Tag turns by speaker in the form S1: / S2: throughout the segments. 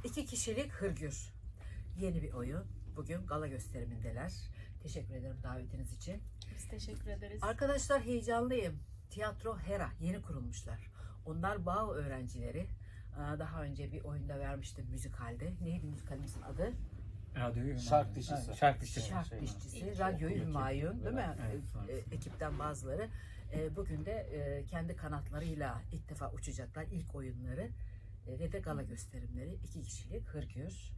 S1: İki kişilik hırgür. Yeni bir oyun. Bugün gala gösterimindeler. Teşekkür ederim davetiniz için.
S2: Biz teşekkür ederiz.
S1: Arkadaşlar heyecanlıyım. Tiyatro Hera yeni kurulmuşlar. Onlar Bağ öğrencileri. Daha önce bir oyunda vermiştim müzikalde. Neydi müzikalimizin adı?
S3: Radyoyu
S4: Şark dişisi.
S3: Şark dişisi.
S1: Şark dişçisi.
S2: İlk
S1: Radyoyu
S3: okul
S1: Hümayun değil mi?
S3: Evet, sonrasında.
S1: Ekipten bazıları. Bugün de kendi kanatlarıyla ilk defa uçacaklar. İlk oyunları ve de gala gösterimleri. 2 kişilik hırgür.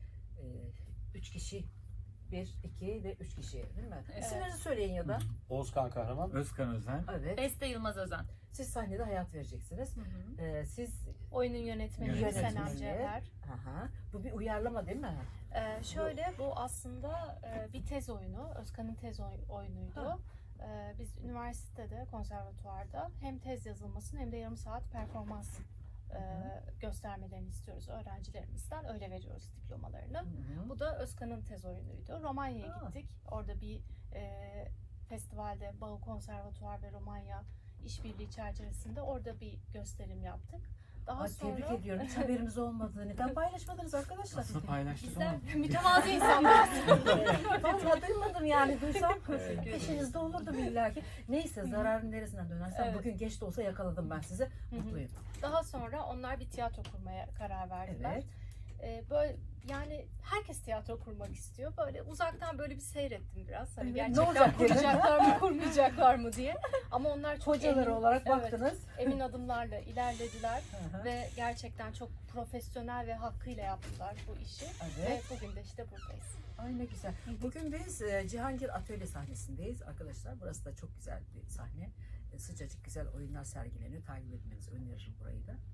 S1: 3 kişi. 1, 2 ve 3 kişi değil mi?
S2: Evet.
S1: İsimlerinizi söyleyin ya da.
S4: Oğuzkan Kahraman.
S3: Özkan Özen.
S1: Evet.
S2: Beste Yılmaz Özen.
S1: Siz sahnede hayat vereceksiniz. Siz
S2: Oyunun yönetmeni
S3: Yönetmeni.
S2: Senem Cevher.
S1: Aha. Bu bir uyarlama değil mi?
S2: Şöyle bu aslında bir tez oyunu. Özkan'ın tez oyunuydu.
S1: Ha.
S2: Biz üniversitede, konservatuvarda hem tez yazılmasını hem de yarım saat performans göstermelerini istiyoruz öğrencilerimizden. Öyle veriyoruz diplomalarını.
S1: Hı-hı.
S2: Bu da Özkan'ın tez oyunuydu. Romanya'ya
S1: Aa.
S2: gittik. Orada bir festivalde Bağ Konservatuvar ve Romanya işbirliği çerçevesinde orada bir gösterim yaptık. Daha
S1: Ay,
S2: sonra
S1: tebrik ediyorum. Hiç haberimiz olmadı. Neden paylaşmadınız arkadaşlar?
S3: Aslında paylaştık
S2: bizler
S3: ama
S2: mütevazı insanlarız.
S1: Vallahi duymadım yani. Duysam
S2: Evet.
S1: peşinizde olurdum illaki. Neyse zararın neresinden dönersem
S2: Evet.
S1: bugün geç de olsa yakaladım ben sizi. Mutluyum.
S2: Daha sonra onlar bir tiyatro kurmaya karar verdiler.
S1: Evet.
S2: Böyle yani herkes tiyatro kurmak istiyor. Böyle uzaktan böyle bir seyrettim biraz. Hani
S1: Evet, ne
S2: gerçekten
S1: olacak dedim.
S2: kuracaklar mı, kurmayacaklar mı diye. Ama onlar çok
S1: Hocaları olarak
S2: evet,
S1: baktınız.
S2: emin adımlarla ilerlediler
S1: Hı hı.
S2: ve gerçekten çok profesyonel ve hakkıyla yaptılar bu işi.
S1: Evet.
S2: Ve bugün de işte buradayız.
S1: Ay ne güzel. Bugün biz Cihangir Atölye sahnesindeyiz arkadaşlar. Burası da çok güzel bir sahne. Sıcacık güzel oyunlar sergileniyor. Takip etmenizi öneririm burayı da.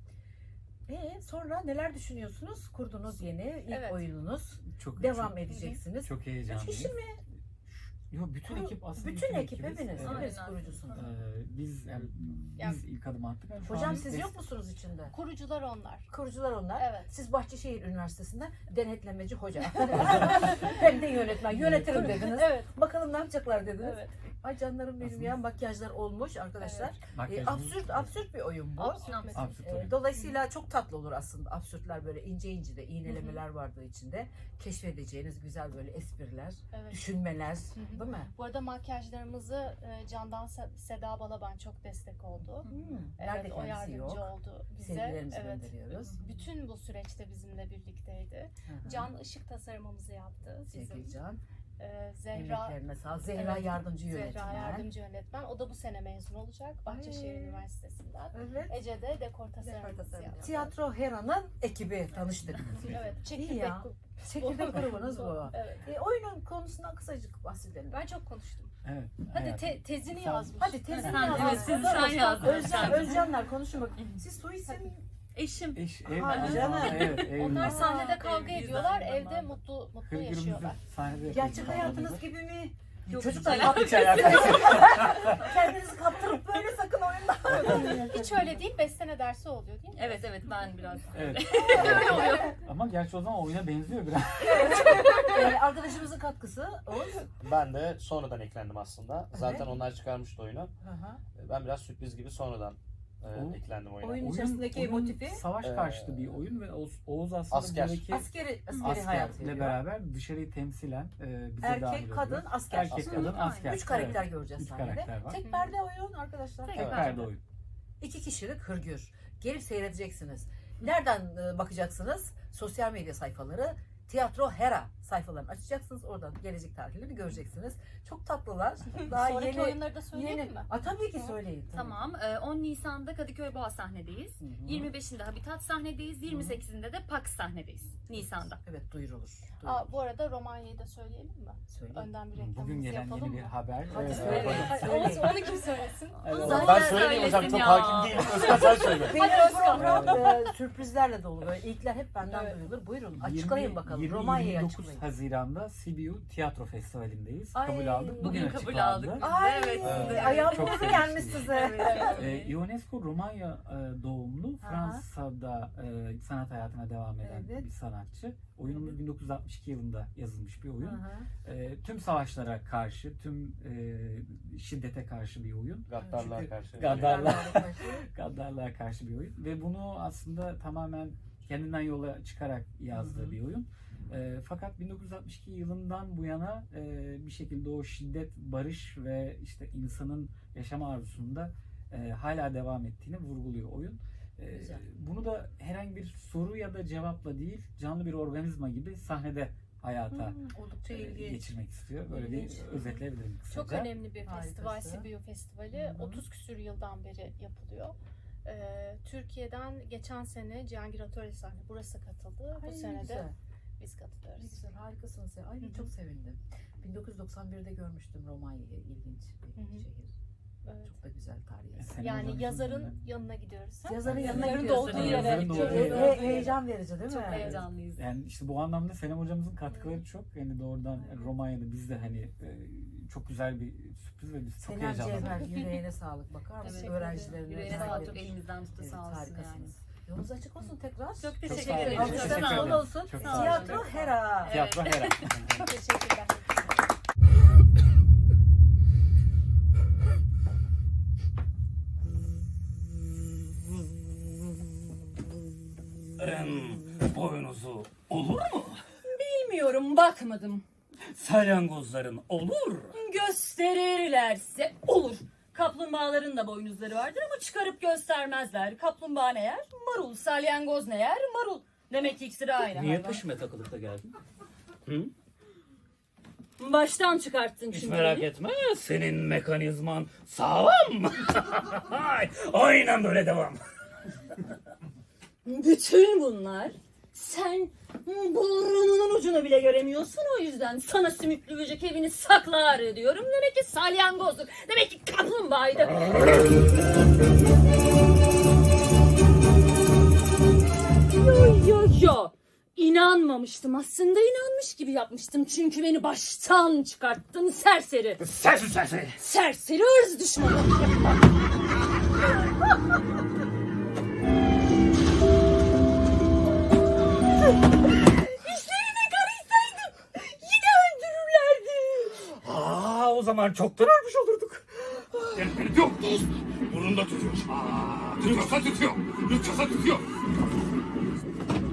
S1: Sonra neler düşünüyorsunuz? Kurdunuz yeni ilk
S2: Evet.
S1: oyununuz.
S3: çok
S1: Devam
S3: çok,
S1: edeceksiniz.
S3: çok
S1: Üç
S3: heyecanlıyım.
S1: kişi mi?
S3: Yok, bütün ekip aslında.
S1: Bütün ekip
S3: ekibiz.
S1: hepiniz.
S3: Evet.
S1: Hepiniz
S2: Aynen.
S1: kurucusunuz.
S3: Biz
S2: Yani-
S3: biz ilk adım attık. Şu
S1: Hocam
S3: an
S1: siz
S3: des-
S1: yok musunuz içinde?
S2: Kurucular onlar.
S1: Kurucular onlar.
S2: Evet.
S1: Siz Bahçeşehir Üniversitesi'nde denetlemeci hoca. Hem de yönetmen. Yönetirim dediniz.
S2: Evet.
S1: Bakalım ne yapacaklar dediniz.
S2: Evet.
S1: Ay canlarım benim
S3: Aslında-
S1: ya, makyajlar olmuş arkadaşlar.
S3: Makyajımız-
S1: Absürt bir oyun bu.
S2: Absürt.
S3: Absürt oyun.
S1: Dolayısıyla çok tatlı olur aslında. Absürtler böyle ince de iğnelemeler vardı içinde. Keşfedeceğiniz güzel böyle espriler,
S2: Evet.
S1: düşünmeler,
S2: hı.
S1: değil mi?
S2: Bu arada makyajlarımızı Candan Seda Balaban çok destek oldu.
S1: Nerede
S2: Evet, o
S1: kendisi
S2: yardımcı
S1: yok.
S2: oldu bize.
S1: Sevgilerimizi
S2: Evet.
S1: gönderiyoruz.
S2: Bütün bu süreçte bizimle birlikteydi.
S1: Hı hı.
S2: Can ışık tasarımımızı yaptı.
S1: Sevgili
S2: Bizim.
S1: Can.
S2: Zehra
S1: Emeklerine sağ. Zehra
S2: Evet,
S1: yardımcı yönetmen.
S2: Zehra yardımcı yönetmen. O da bu sene mezun olacak Bahçeşehir
S1: Ay.
S2: üniversitesinden.
S1: Evet.
S2: Ece de dekor tasarımımızı yaptı.
S1: Tiyatro Hera'nın ekibi tanıştık.
S2: Evet.
S1: İyi
S2: Çekirdek
S1: ya. Çekirdek grubunuz bu.
S2: Evet.
S1: Oyunun konusundan kısacık bahsedelim.
S2: Ben çok konuştum.
S3: Evet.
S2: Hadi
S3: hayatım.
S2: tezini
S3: Sen-
S2: yazmış.
S1: Hadi tezini
S2: Evet,
S1: yazın.
S2: evet,
S5: tezi sen yazdın.
S1: Özcanlar konuşun bakayım. Siz soy isim
S5: Eşim.
S3: Ev,
S1: Hadi canım.
S3: Evet, ev.
S2: Onlar
S1: Aa,
S2: sahnede kavga
S5: evliyiz
S2: ediyorlar,
S5: aynı
S2: evde
S5: zamanda.
S2: mutlu
S3: Hırgürümüzü
S2: yaşıyorlar.
S3: sahnede yapıyoruz.
S1: gerçek hayatınız gibi mi?
S5: Yok,
S1: Çocuklar
S5: hiç
S1: yapmayın.
S3: Hiç alakası yok.
S1: Kendinizi kaptırıp böyle sakın oyunda.
S2: Hiç öyle değil, bestene dersi oluyor değil mi?
S5: Evet evet ben biraz.
S3: Evet. Ama gerçi o zaman oyuna benziyor biraz.
S1: Arkadaşımızın katkısı Oğuz.
S4: Ben de sonradan eklendim aslında. Zaten
S1: Evet.
S4: onlar çıkarmıştı oyunu. Ben biraz sürpriz gibi sonradan eklendim oyuna.
S1: Oyun içerisindeki motifi
S3: savaş karşıtı bir oyun ve Oğuz aslında
S4: Asker.
S3: buradaki
S1: askeri hayat
S3: askerle
S1: veriyor.
S3: beraber dışarıyı temsilen bize devam
S1: Erkek,
S3: ediyor.
S1: kadın, asker.
S3: Erkek, kadın, asker.
S1: 3 karakter
S3: Evet.
S1: göreceğiz
S3: Üç
S1: sahnede.
S3: karakter var.
S1: Tek perde oyun arkadaşlar.
S5: Tek
S3: Tek
S5: Evet.
S3: perde oyun.
S1: 2 kişilik hırgür. Gelip seyredeceksiniz. Nereden bakacaksınız? Sosyal medya sayfaları, Tiyatro Hera sayfalarını açacaksınız. Oradan gelecek tarihlerini göreceksiniz. Çok tatlılar. Daha
S2: Sonraki
S1: yeni.
S2: oyunları da söyleyelim mi?
S1: Tabii ki söyleyin. Tabii.
S5: Tamam. 10 Nisan'da Kadıköy Boğa sahnedeyiz.
S1: Hı hı.
S5: 25'inde Habitat sahnedeyiz. 28'inde de Pax sahnedeyiz. Nisan'da.
S1: Evet duyurulur.
S2: Bu arada Romanya'yı da söyleyelim mi?
S1: Söyleyin.
S2: Önden bir
S3: Bugün
S2: reklamımızı
S3: gelen
S2: yapalım
S3: yeni
S2: mı?
S3: bir haber.
S1: Hadi
S3: Evet,
S1: söyle.
S3: evet.
S2: Hadi,
S1: Söyleyin.
S2: onu kim söylesin?
S3: Evet.
S5: Zaten
S4: Ben söyleyeyim hocam,
S5: söylesin
S4: çok
S5: ya.
S4: hakim değilim. Özkan sen söyle.
S1: Benim program sürprizlerle dolu. Böyle ilkler hep benden
S2: Evet.
S1: duyulur. Buyurun açıklayın bakalım. Romanya'yı
S3: 29
S1: açıklayın.
S3: Haziran'da Sibiu Tiyatro Festivali'ndeyiz.
S1: Ay,
S3: Kabul aldık.
S5: Bugün
S3: Bugün
S5: kabul aldık.
S3: açıklandı.
S1: Ay,
S5: Evet,
S4: evet.
S1: ayağım
S3: Çok
S1: burnum
S3: sevinçliyim.
S1: gelmiş size.
S2: Evet.
S3: UNESCO Romanya doğumlu,
S1: Aha.
S3: Fransa'da sanat hayatına devam eden
S1: Evet.
S3: bir sanatçı. Oyunumuz 1962 yılında yazılmış bir oyun.
S1: Hı hı.
S3: Tüm savaşlara karşı, tüm şiddete karşı bir oyun.
S4: Gaddarlar
S3: Çünkü
S4: karşı.
S3: Gaddarlar. Gaddarlığa karşı bir oyun. Ve bunu aslında tamamen kendinden yola çıkarak yazdığı
S1: Hı hı.
S3: bir oyun. Fakat 1962 yılından bu yana bir şekilde o şiddet, barış ve işte insanın yaşam arzusunda hala devam ettiğini vurguluyor oyun.
S1: Güzel.
S3: Bunu da herhangi bir soru ya da cevapla değil, canlı bir organizma gibi sahnede hayata
S1: Oldukça ilginç.
S3: geçirmek istiyor. Böyle
S1: İlginç.
S3: bir özetleyebilirim kısaca.
S2: Çok önemli bir
S1: Harikası.
S2: festival, Sibiu Festivali.
S1: Hı hı.
S2: 30 küsür yıldan beri yapılıyor. Türkiye'den geçen sene Cihangir Atölye sahne burası katıldı.
S1: Ay,
S2: Bu
S1: ne
S2: sene de
S1: güzel.
S2: biz
S1: Ne
S2: katılıyoruz.
S1: güzel, harikasınız ya. Ay
S2: Hı hı.
S1: çok sevindim. 1991'de görmüştüm Romanya'yı, ilginç bir
S2: Hı hı.
S1: şehir.
S2: Evet.
S1: Çok da güzel tarihi eser.
S3: Senin
S2: Yani
S3: hocamızın
S2: yazarın
S3: önünden.
S2: yanına gidiyoruz.
S1: Yazarın yanına
S2: Yazarın
S1: gidiyorsun.
S2: doğduğu yere.
S3: Yazarın doğduğu
S2: gidiyoruz.
S3: yere.
S1: Heyecan verici değil mi?
S5: Çok heyecanlıyız.
S3: Yani işte bu anlamda Senem hocamızın katkıları çok. Yani doğrudan Romanya'da biz de hani çok güzel bir sürpriz ve biz çok
S1: Senem
S3: heyecanlandık.
S1: Cevher, yüreğine sağlık. Bakar mısın?
S2: Teşekkür
S1: Öğrencilerine
S5: Yüreğine
S1: özel
S5: sağlık,
S1: bir-
S5: elimizden tuttu
S1: Evet,
S5: sağ olsun yani.
S1: harikasınız. Yolunuz açık olsun tekrar.
S5: Çok
S3: Çok
S5: teşekkür
S3: sağ olun.
S5: ederim.
S3: Teşekkür
S1: Alkışlarınız
S3: ederim.
S1: bol olsun.
S3: Çok sağ olun.
S1: Tiyatro Hera.
S3: Tiyatro Hera.
S2: Teşekkürler.
S6: Boynuzu olur mu?
S7: Bilmiyorum, bakmadım.
S6: Salyangozların olur.
S7: Gösterirlerse olur. Kaplumbağaların da boynuzları vardır ama çıkarıp göstermezler. Kaplumbağa ne yer? Marul. Salyangoz ne yer? Marul. Demek ki ikisi de aynı
S6: Niye
S7: hayvan.
S6: peşime takılıp da geldin? Hı?
S7: Baştan çıkarttın
S6: Hiç
S7: çünkü.
S6: merak etme. Senin mekanizman sağlam. Aynen böyle devam.
S7: Bütün bunlar sen burnunun ucunu bile göremiyorsun, o yüzden sana sümüklü böcek evini saklar diyorum. Demek ki salyangozdur. Demek ki kaplumbağaydı. Yo. İnanmamıştım. Aslında inanmış gibi yapmıştım. Çünkü beni baştan çıkarttın serseri.
S6: Sensin.
S7: Serseri ırz düşmanı. İşlerine karışsaydım yine öldürürlerdi.
S6: O zaman çoktan ölmüş olurduk. Yok. Burnunda tutuyor. Tutuyorsa tutuyor. Tutuyorsa tutuyor.